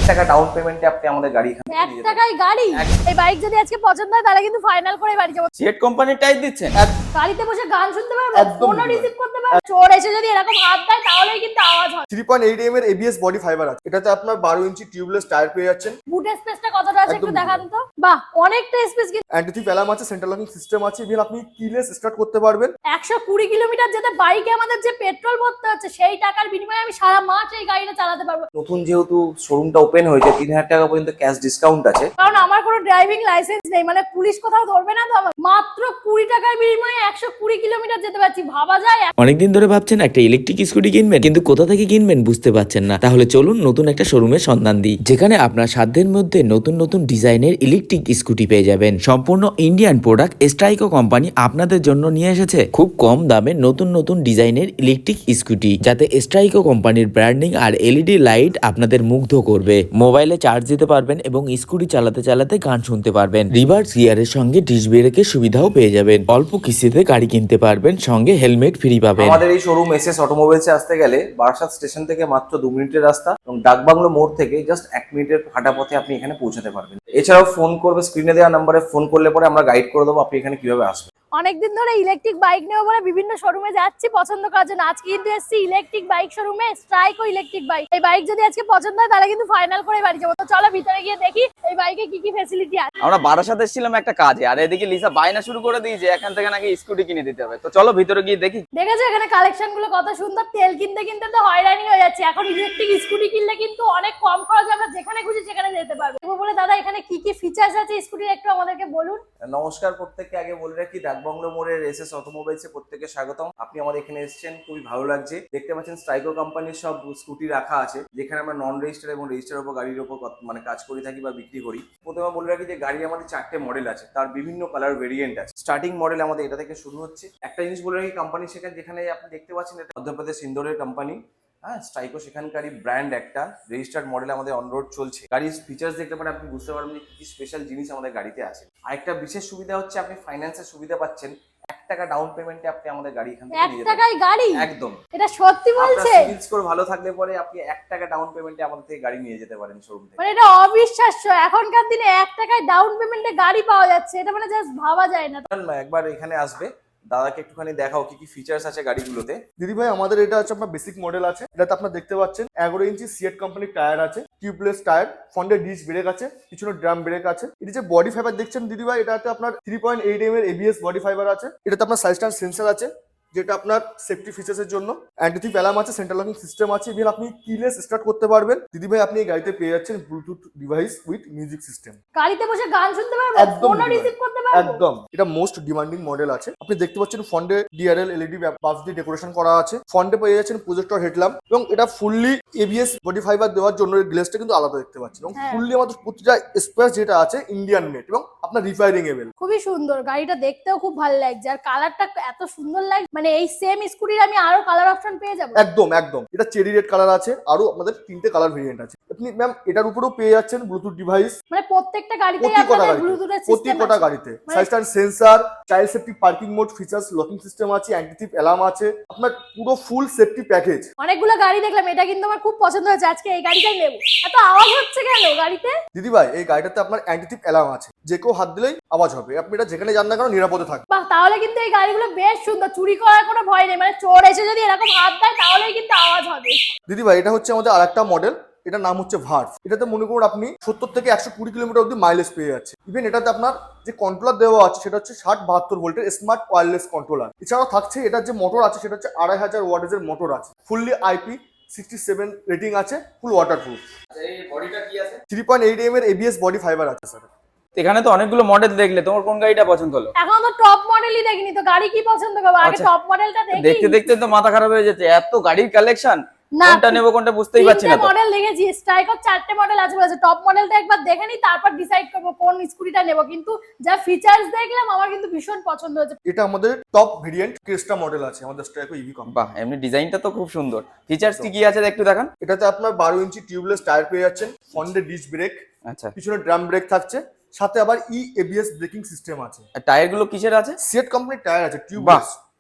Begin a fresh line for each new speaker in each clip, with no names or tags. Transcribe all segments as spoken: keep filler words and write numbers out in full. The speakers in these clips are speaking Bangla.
টাকা ডাউন পেমেন্টে আপনি আমাদের গাড়ি এখান থেকে
এক টাকায় গাড়ি। এই বাইক যদি আজকে পছন্দ হয় তাহলে কিন্তু ফাইনাল করে বাড়ি যাবো।
সিয়েট কোম্পানির টাইপ দিচ্ছেন,
গাড়িতে বসে গান শুনতে পারবো, ফোনও রিসিভ করতে পারবো। চোর এসে যদি এরকম হাত দেয় তাহলেই কিন্তু আওয়াজ হয়।
থ্রি পয়েন্ট এইট এম এর এবিএস বডি ফাইবার আছে, এটাতে আপনার বারো ইঞ্চি টিউবলেস টায়ার পেয়ে যাচ্ছেন।
বুটের স্পেসটা কতটা আছে একটু
একদম
দেখান তো। বাহ, অনেকটা স্পেস। কিন্তু
অ্যান্টি অ্যালার্ম আছে, সেন্ট্রাল লকিং সিস্টেম আছে, ইভেন আপনি কিলেস স্টার্ট করতে পারবেন।
একশো কুড়ি কিলোমিটার যেতে বাইকে আমাদের যে পেট্রোল ভরতে হচ্ছে সেই টাকার বিনিময়ে আমি সারা মাস এই গাড়িটা চালাতে পারবো।
নতুন যেহেতু শোরুমটা ওপেন হয়েছে, তিন হাজার টাকা পর্যন্ত ক্যাশ ডিসকাউন্ট আছে।
কারণ আমার কোনো ড্রাইভিং লাইসেন্স নেই, মানে পুলিশ কোথাও ধরবে না তো। আমার মাত্র কুড়ি টাকার বিনিময়ে একশো কুড়ি কিলোমিটার যেতে পারছি, ভাবা যায়।
অনেকদিন ধরে ভাবছেন একটা ইলেকট্রিক স্কুটি কিনবেন, কিন্তু কোথা থেকে কিনবেন বুঝতে পারছেন না। তাহলে চলুন নতুন একটা শোরুমের সন্ধান দিই, যেখানে আপনার সাধ্যের মধ্যে নতুন নতুন ডিজাইনের ইলেকট্রিক স্কুটি পেয়ে যাবেন। সম্পূর্ণ ইন্ডিয়ান প্রোডাক্ট স্ট্রাইকো কোম্পানি আপনাদের জন্য নিয়ে এসেছে খুব কম দামে নতুন নতুন ডিজাইনের ইলেকট্রিক স্কুটি, যাতে স্ট্রাইকো কোম্পানির ব্র্যান্ডিং আর এলইডি লাইট আপনাদের মুগ্ধ করবে। মোবাইলে চার্জ দিতে পারবেন এবং স্কুটি চালাতে চালাতে গান শুনতে পারবেন। রিভার্স গিয়ারের সঙ্গে ডিস্ক ব্রেকের সুবিধাও পেয়ে যাবেন। অল্প কিস্তিতে গাড়ি কিনতে পারবেন, সঙ্গে হেলমেট ফ্রি পাবেন।
আমাদের এই শোরুম এস এস অটোমোবাইলসে আসতে গেলে বারাসাত স্টেশন থেকে মাত্র দু মিনিটের রাস্তা এবং ডাকবাংলো মোড় থেকে জাস্ট এক মিনিটের হাঁটা পথে আপনি এখানে পৌঁছাতে পারবেন। এছাড়াও ফোন করবে, স্ক্রিনে দেওয়া নাম্বারে ফোন করলে পরে আমরা গাইড করে দেবো আপনি এখানে কিভাবে আসবেন।
অনেকদিন ধরে ইলেকট্রিক বাইক নেবো বলে বিভিন্ন শোরুমে যাচ্ছি পছন্দ করার জন্য। আজকে কিন্তু এসেছি ইলেকট্রিক বাইক শোরুমে, স্ট্রাইকো ইলেকট্রিক বাইক। এই বাইক যদি আজকে পছন্দ হয় তাহলে কিন্তু ফাইনাল করে বাড়ি যাবো। তো চলো ভিতরে গিয়ে দেখি এই বাইকে কি কি ফ্যাসিলিটি আছে।
আমরা বারাসাত এসেছিলাম একটা কাজে, আর এদিকে লিসা বায়না শুরু করে দিয়েছে এখান থেকে নাকি স্কুটি কিনে দিতে হবে। তো চলো ভিতরে গিয়ে দেখি।
দেখেছো এখানে কালেকশন গুলো কত সুন্দর। তেল কিনতে কিনতে তো হয়রানি হয়ে যাচ্ছে, এখন ইলেকট্রিক স্কুটি কিনলে কিন্তু অনেক কম খরচে আমরা যেখানে খুশি সেখানে যেতে পারবো। বলে দাদা এখানে কি কি ফিচার্স আছে স্কুটির একটু আমাদেরকে বলুন।
নমস্কার, প্রত্যেককে আগে বলে রাখি ডাকবাংলো মোড়ের এস এস অটোমোবাইলসে প্রত্যেককে স্বাগতম। আপনি আমাদের এখানে এসেছেন, খুবই ভালো লাগছে। দেখতে পাচ্ছেন স্ট্রাইকো কোম্পানির সব স্কুটি রাখা আছে, যেখানে আমরা নন রেজিস্টার এবং রেজিস্টার উপর গাড়ির উপর মানে কাজ করে থাকি বা বিক্রি করি। প্রথমে বলে রাখি যে গাড়ি আমাদের চারটে মডেল আছে, তার বিভিন্ন কালার ভেরিয়েন্ট আছে। স্টার্টিং মডেল আমাদের এটা থেকে শুরু হচ্ছে। একটা জিনিস বলে রাখি, কোম্পানি সেখানে যেখানে আপনি দেখতে পাচ্ছেন এটা মধ্যপ্রদেশ ইন্দোরের কোম্পানি। হ্যাঁ, স্ট্রাইকো সেখানকারই ব্র্যান্ড, একটা রেজিস্টার্ড মডেল আমাদের অনরোড চলছে। গাড়ির ফিচার্স দেখতে পারেন, আপনি বুঝতে পারবেন যে কি স্পেশাল জিনিস আমাদের গাড়িতে আছে। আরেকটা বিশেষ সুবিধা হচ্ছে আপনি ফাইন্যান্সের সুবিধা পাচ্ছেন। এক টাকা ডাউন পেমেন্টে আপনি আমাদের গাড়ি এখান থেকে
এক টাকায় গাড়ি?
একদম,
এটা সত্যি বলছে?
আপনার সিবিল স্কোর ভালো থাকলে পরে আপনি এক টাকা ডাউন পেমেন্টে আমাদের থেকে গাড়ি নিয়ে যেতে পারেন শোরুম থেকে।
মানে এটা অবিশ্বাস্য, এখনকার দিনে এক টাকায় ডাউন পেমেন্টে গাড়ি পাওয়া যাচ্ছে, এটা মানে জাস্ট ভাবা যায় না।
একবার এখানে আসবে, দাদাকে একটুখানি দেখাও কি কি ফিচার্স আছে গাড়িগুলোতে।
দিদি ভাই, আমাদের এটা হচ্ছে আপনার বেসিক মডেল আছে। এটাতে আপনার দেখতে পাচ্ছেন এগারো ইঞ্চি সিয়েট কোম্পানির টায়ার আছে, টিউবলেস টায়ার, ফ্রন্টে ডিস্ক ব্রেক আছে, পিছনে ড্রাম ব্রেক আছে। এটা যে বডি ফাইবার দেখছেন দিদি ভাই, এটাতে আপনার থ্রি পয়েন্ট এইট এম এর এবিএস বডি ফাইবার আছে। এটাতে আপনার সাইড স্ট্যান্ড সেন্সর আছে, যেটা আপনার সেফটি ফিচার্সের জন্য। অ্যান্টি অ্যালার্ম আছে, সেন্ট্রাল লকিং সিস্টেম আছে, ইভেন আপনি কিলেস স্টার্ট করতে পারবেন। দিদি ভাই, আপনি এই গাড়িতে পেয়ে যাচ্ছেন bluetooth device with music system.
গাড়িতে বসে গান শুনতে পারবো,
একদম
ফোনও রিসিভ করতে পারবো।
একদম, এটা মোস্ট ডিমান্ডিং মডেল আছে। আপনি দেখতে পাচ্ছেন ফ্রন্টে ডিআরএল এলইডি বাস দিয়ে ডেকোরেশন করা আছে। ফ্রন্টে পেয়ে যাচ্ছেন প্রজেক্টর হেডল্যাম্প, এবং এটা ফুললি এবিএস বডি ফাইবার দেওয়ার জন্য গ্লেসটা কিন্তু আলাদা দেখতে পাচ্ছেন। এবং ফুললি আমাদের প্রতিটা স্পেস যেটা আছে ইন্ডিয়ান মেড এবং আপনার রিফায়ারিংয়েবল।
খুবই সুন্দর গাড়িটা, দেখতেও খুব ভালো লাগছে, আর কালারটা এত সুন্দর লাগছে। মানে এই সেম স্কুটির আমি আরো কালার অপশন পেয়ে যাবো?
একদম একদম, এটা চেরি রেড কালার আছে, আরো আমাদের তিনটে কালার ভেরিয়েন্ট আছে। আপনি ম্যাম এটার উপরেও পেয়ে যাচ্ছেন ব্লুটুথ ডিভাইস।
মানে প্রত্যেকটা গাড়িতেই আপনাদের ব্লুটুথের সিস্টেম আছে?
প্রত্যেকটা গাড়িতে side stand sensor, child safety parking mode features, locking system আছে, অ্যান্টি অ্যালার্ম আছে, আপনার পুরো ফুল সেফটি প্যাকেজ।
অনেকগুলো গাড়ি দেখলাম, এটা কিন্তু আমার খুব পছন্দ হয়েছে, আজকে এই গাড়িটাই নেব। এত আওয়াজ হচ্ছে কেন গাড়িতে?
দিদি ভাই, এই গাড়িটাতে আপনার অ্যান্টি অ্যালার্ম আছে, যে কেউ হাত দিলেই আওয়াজ হবে। আপনি এটা যেখানে যান না কেন নিরাপদে থাকবে।
বাহ, তাহলে কিন্তু এই গাড়িগুলো বেশ সুন্দর, চুরি করার কোনো ভয় নেই। মানে চোর এসে যদি এরকম হাত দেয় তাহলেই কিন্তু আওয়াজ হবে।
দিদি ভাই, এটা হচ্ছে আমাদের আরেকটা মডেল, এটার নাম হচ্ছে ভার্ভ। এটাতে মনে করুন আপনি সত্তর থেকে একশো কুড়ি কিলোমিটার অব্দি মাইলেজ পেয়ে যাচ্ছে। ইভেন এটাতে আপনার যে কন্ট্রোলার দেওয়া আছে সেটা হচ্ছে ষাট বাহাত্তর ভোল্টের স্মার্ট ওয়্যারলেস কন্ট্রোলার। এছাড়াও থাকছে এটার যে মোটর আছে সেটা হচ্ছে আড়াই হাজার ওয়াটের মোটর আছে, fully IP sixty seven rating আছে, ফুল ওয়াটার প্রুফ।
এই বডিটা কি আছে?
থ্রি পয়েন্ট এইট এম এর এবিএস বডি ফাইবার আছে স্যার।
এখানে তো অনেকগুলো মডেল দেখলে, তোমার কোন গাড়িটা পছন্দ হলো?
এখন তো টপ মডেলই দেখিনি, তো গাড়ি কি পছন্দ করবো? আগে টপ মডেলটা দেখি।
দেখতে দেখতে তো মাথা খারাপ হয়ে যাচ্ছে, এত গাড়ির কালেকশন,
না
কোনটা নেব কোনটা বুঝতেই পারছি না।
মডেল দেখেছি, স্ট্রাইকো চারটে মডেল আছে বলেছে। টপ মডেলটা একবার দেখে নি, তারপর ডিসাইড করব কোন স্কুটিটা নেব। কিন্তু যা ফিচার্স দেখলাম আমার কিন্তু ভীষণ পছন্দ হয়েছে।
এটা আমাদের টপ ভেরিয়েন্ট ক্রেস্টা মডেল আছে আমাদের স্ট্রাইকো ইভি কোম্পানি।
বাহ, এমনি ডিজাইনটা তো খুব সুন্দর। ফিচার্স কি কি আছে একটু দেখান।
এটাতে আপনার বারো ইঞ্চি টিউবলেস টায়ার পেয়ে যাচ্ছেন, ফ্রন্টে ডিস্ক ব্রেক,
আচ্ছা,
পিছনে ড্রাম ব্রেক থাকছে, সাথে আবার ই এবিএস ব্রেকিং সিস্টেম আছে।
আর টায়ার গুলো কিসের আছে?
সিয়েট কোম্পানির টায়ার আছে, টিউবলেস।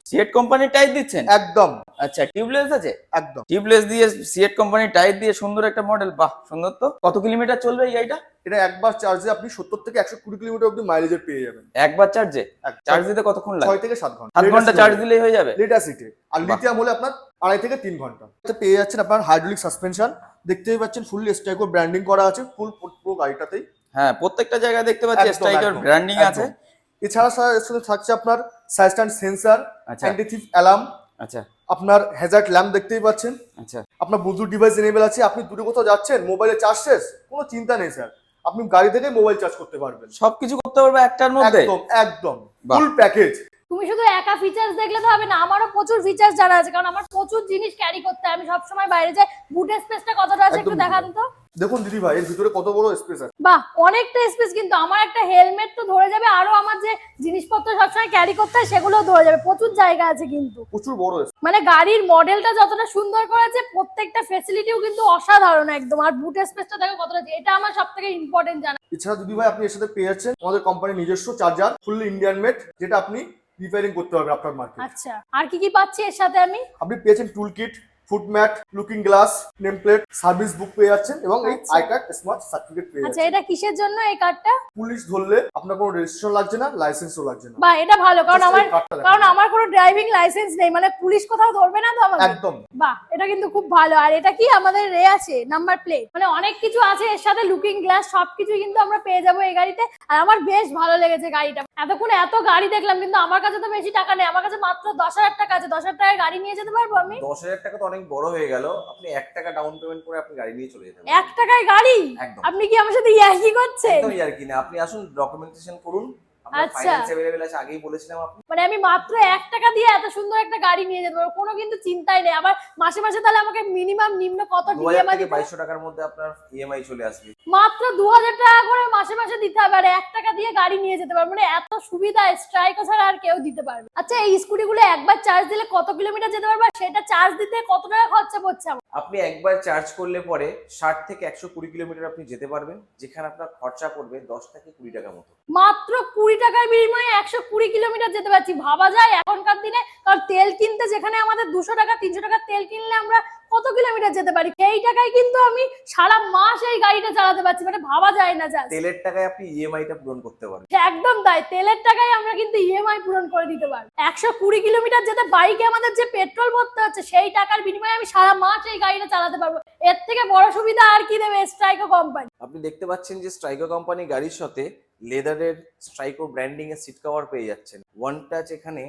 সিয়েট কোম্পানির টায়ার দিচ্ছেন?
একদম
আচ্ছা, টিউবলেস আছে?
একদম।
টিউবলেস দিয়ে সিয়েট কোম্পানির টায়ার দিয়ে সুন্দর একটা মডেল, বাহ সুন্দর তো। কত কিলোমিটার চলবে এই গাড়িটা?
এটা একবার চার্জে আপনি সত্তর থেকে একশো কুড়ি কিলোমিটার অব্দি মাইলেজের পেয়ে যাবেন।
একবার চার্জে?
এক-
চার্জ দিতে কতক্ষণ লাগে?
ছয় থেকে সাত ঘন্টা
সাত ঘন্টা চার্জ দিলেই হয়ে যাবে?
লেটার সিটে। আর লিথিয়াম হলে আপনার আড়াই থেকে তিন ঘন্টা। এতে পেয়ে যাচ্ছেন আপনার হাইড্রোলিক সাসপেনশন, দেখতেই পাচ্ছেন ফুললি স্ট্রাইকো ব্র্যান্ডিং করা আছে ফুল পুরো গাড়িটাতেই।
হ্যাঁ, প্রত্যেকটা জায়গায় দেখতে পাচ্ছি
একদম,
স্ট্রাইকার
একদম,
ব্র্যান্ডিং
একদম।
আছে।
এছাড়া স্যার এর সাথে থাকছে আপনার সাইড স্ট্যান্ড সেন্সর,
আচ্ছা
অ্যান্টি থিফ অ্যালার্ম,
আচ্ছা
আপনার হ্যাজার্ড ল্যাম্প দেখতেই পাচ্ছেন,
আচ্ছা।
আপনার ব্লুটুথ ডিভাইস এনেবল আছে। আপনি দূরে কোথাও যাচ্ছেন, মোবাইলে চার্জ শেষ, কোনো চিন্তা নেই স্যার, আপনি গাড়ি থেকে মোবাইল চার্জ করতে পারবেন।
সবকিছু করতে পারবে একটার মধ্যে?
একদম একদম
বাহ।
Full package.
তুমি শুধু একা ফিচার্স দেখলে তো হবে না, আমারও প্রচুর ফিচার্স জানা আছে, কারণ আমার প্রচুর জিনিস ক্যারি করতে হয়। আমি সবসময় বাইরে যাই। বুটের স্পেসটা কতটা আছে একটু
একদম
দেখান তো।
দেখুন দিদি ভাই, এর ভিতরে কত বড় স্পেস আছে।
বাহ, অনেকটা স্পেস। কিন্তু আমার একটা হেলমেট তো ধরে যাবে, আরো আমার যে জিনিসপত্র সবসময় ক্যারি করতে হয় সেগুলোও ধরে যাবে। প্রচুর জায়গা আছে কিন্তু।
প্রচুর বড় স্পেস।
মানে গাড়ির মডেলটা যতটা সুন্দর করেছে, প্রত্যেকটা ফ্যাসিলিটিও কিন্তু অসাধারণ একদম। আর বুটের স্পেসটা দেখো কতটা, এটা আমার সবথেকে ইম্পর্টেন্ট জানা।
এছাড়া দিদি ভাই আপনি এর সাথে পেয়ে যাচ্ছেন আমাদের কোম্পানির নিজস্ব চার্জার, ফুললি ইন্ডিয়ান মেড, যেটা আপনি রিপেয়ারিং করতে পারবেন আপনার মার্কেট।
আচ্ছা, আর কি কি পাচ্ছি এর সাথে আমি?
আপনি পেয়েছেন tool kit, foot mat, looking glass, name plate, service book পেয়ে যাচ্ছেন এবং এই
আচ্ছা।
আই কার্ড স্মার্ট সার্টিফিকেট পেয়ে
আচ্ছা,
যাচ্ছেন।
এটা কিসের জন্য এই কার্ডটা?
পুলিশ ধরলে আপনার কোনো রেজিস্ট্রেশন লাগছে না, লাইসেন্সও লাগছে না।
বাহ, এটা ভালো, কারণ
Just
আমার
এই cardটা দেখান।
কারণ আমার কোনো ড্রাইভিং লাইসেন্স নেই, মানে পুলিশ কোথাও ধরবে না তো আমাকে।
একদম।
বাহ, এটা কিন্তু খুব ভালো। আর এটা কি আমাদের রে আছে নাম্বার প্লেট, মানে অনেক কিছু আছে এর সাথে, লুকিং গ্লাস সবকিছু কিন্তু আমরা পেয়ে যাবো এই গাড়িতে। আর আমার বেশ ভালো লেগেছে গাড়িটা। এতক্ষণ এত গাড়ি দেখলাম, কিন্তু আমার কাছে তো বেশি টাকা নেই, আমার কাছে মাত্র দশ হাজার টাকা আছে। দশ হাজার টাকায় গাড়ি নিয়ে যেতে পারবো আমি?
দশ হাজার টাকা তো অনেক বড় হয়ে গেল, আপনি এক টাকা ডাউন পেমেন্ট করে আপনি গাড়ি নিয়ে চলে যেতে
এক টাকায় গাড়ি?
একদম।
আপনি কি আমার সাথে ইয়ার্কি করছেন?
একদম আর কি না, আপনি আসুন ডকুমেন্টেশন করুন, আপনার
আচ্ছা।
ফাইন্যান্স अवेलेबल আছে, আগেই বলেছিলাম আপনি।
মানে আমি মাত্র এক টাকা দিয়ে এত সুন্দর একটা গাড়ি নিয়ে যেতে পারবো, কোনো কিন্তু চিন্তাই নেই। আবার মাসে মাসে তাহলে আমাকে মিনিমাম নিম্ন কত
দু হাজার
ডিএমআই
থেকে
দিতে হবে?
বাইশশো টাকার মধ্যে আপনার ইএমআই চলে আসবে।
মাত্র দু হাজার টাকা করে মাসে মাসে দিতে হবে, আর এক টাকা দিয়ে গাড়ি নিয়ে যেতে পারবো। মানে এত সুবিধা স্ট্রাইকো ছাড়া আর কেউ দিতে পারবে। আচ্ছা, এই স্কুটিগুলো একবার চার্জ দিলে কত কিলোমিটার যেতে পারবে, আর সেটা চার্জ দিতে কত টাকা খরচা পড়ছে আমার?
আপনি একবার চার্জ করলে পরে ষাট থেকে একশো কুড়ি কিলোমিটার আপনি যেতে পারবেন, যেখানে আপনার খরচা পড়বে দশ থেকে কুড়ি টাকা মতো।
মাত্র কুড়ি টাকার বিনিময়ে একশো কুড়ি কিলোমিটার যেতে পারছি। ভাবা যায় এখনকার দিনে, কারণ তেল কিনতে যেখানে আমাদের দুশো টাকা তিনশো টাকা তেল কিনলে আমরা কত কিলোমিটার যেতে পারি, সেই টাকায় কিন্তু আমি সারা মাস এই গাড়িটা চালাতে পারছি। মানে ভাবা যায় না যা।
তেলের টাকায় আপনি ইএমআইটা পূরণ করতে পারবেন।
একদম তাই, তেলের টাকায় আমরা কিন্তু ইএমআই পূরণ করে দিতে পারবো। একশো কুড়ি কিলোমিটার যেতে বাইকে আমাদের যে পেট্রোল ভরতে হচ্ছে, সেই টাকার বিনিময়ে আমি সারা মাস এই গাড়িটা চালাতে পারবো। এর থেকে বড় সুবিধা আর কি দেবে স্ট্রাইকো কোম্পানি?
আপনি দেখতে পাচ্ছেন যে স্ট্রাইকো কোম্পানি গাড়ির সাথে লেদারের স্ট্রাইকো ব্র্যান্ডিং এর সিট কভার পেয়ে যাচ্ছেন, ওয়ান টাচ এখানে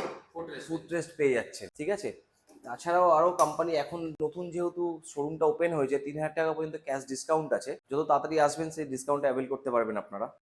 ফুটরেস্ট পেয়ে যাচ্ছেন, ঠিক আছে। তাছাড়াও আরো কোম্পানি এখন নতুন যেহেতু শোরুমটা ওপেন হয়েছে, তিন হাজার টাকা পর্যন্ত ক্যাশ ডিসকাউন্ট আছে, যত তাড়াতাড়ি আসবেন সেই ডিসকাউন্ট অ্যাভেল করতে পারবেন আপনারা।